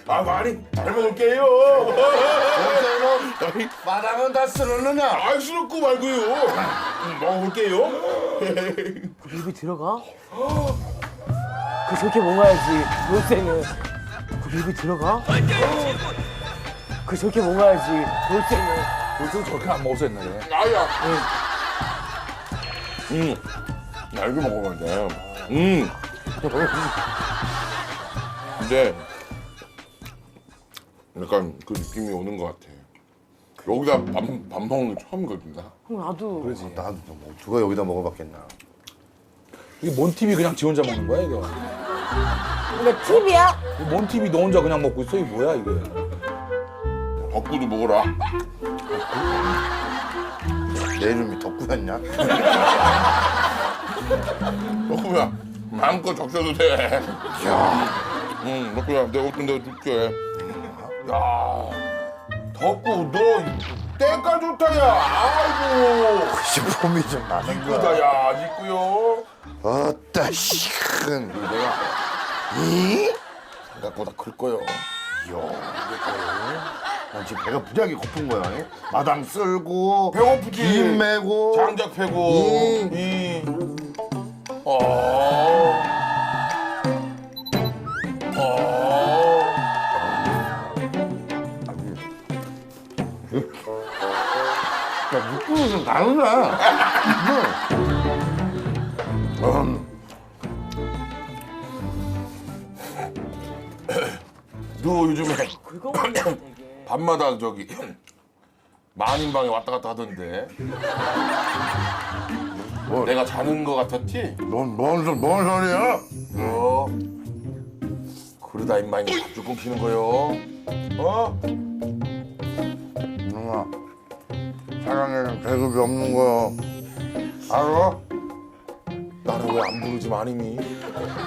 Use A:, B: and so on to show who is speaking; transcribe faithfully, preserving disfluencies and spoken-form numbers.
A: 아 많이 잘 먹을게요.
B: 어째는 마당은 다 쓸었느냐?
A: 아 스럽고 말고요. 음, 먹어볼게요.
C: 그 입에 들어가? 그 저렇게 먹어야지. 돌쇠는 그 입에 들어가? 그 저렇게 먹어야지. 돌쇠는
D: 요즘 저렇게 안 먹어서 옛날에.
A: 아야. 음. 나 이거 먹어봐야 돼. 음. 근데 약간 그 느낌이 오는 것 같아. 여기다 밥, 밥 먹는 게 처음이거든 나.
C: 형 나도
D: 그러지.
B: 나도 뭐 누가 여기다 먹어봤겠나?
D: 이게 뭔 티비 그냥 지 혼자 먹는 거야 이거?
C: 이게 팁이야?
D: 이거 뭔 티비 너 혼자 그냥 먹고 있어? 이게 뭐야 이게?
A: 덕구도 먹어라.
B: 내 이름이 덕구였냐?
A: 덕구야 마음껏 적셔도 돼. 야. 응 덕구야 내가 어떤 내가 줄게. 야. 덕구 너 때가 좋다 야. 아이고.
B: 폼이 좀 나는
A: 이쁘다
B: 거야.
A: 야 이쁘요.
B: 어따 시큰.
A: 내가
B: 이?
A: 생각보다 클 거요.
B: 난 지금 배가 부지하게 고픈 거야. 이? 마당 쓸고
A: 배고프지.
B: 김 메고
A: 장작 패고.
B: 음.
A: 이. 어. 어.
B: 야, 육군은 좀 다르네. 음.
A: 너 요즘에
C: 긁어먹네 되게.
A: 밤마다 저기 만인방에 왔다 갔다 하던데.
B: 뭐?
A: 내가 자는 거 같았지?
B: 넌 뭔, 소- 뭔 소리야?
A: 어? 그러다 임마 이거 밥줄 끊기는 거요. 어?
B: 누나, 사랑에는 계급이 없는 거야. 알아?
A: 나는 왜 안 부르지 마님이?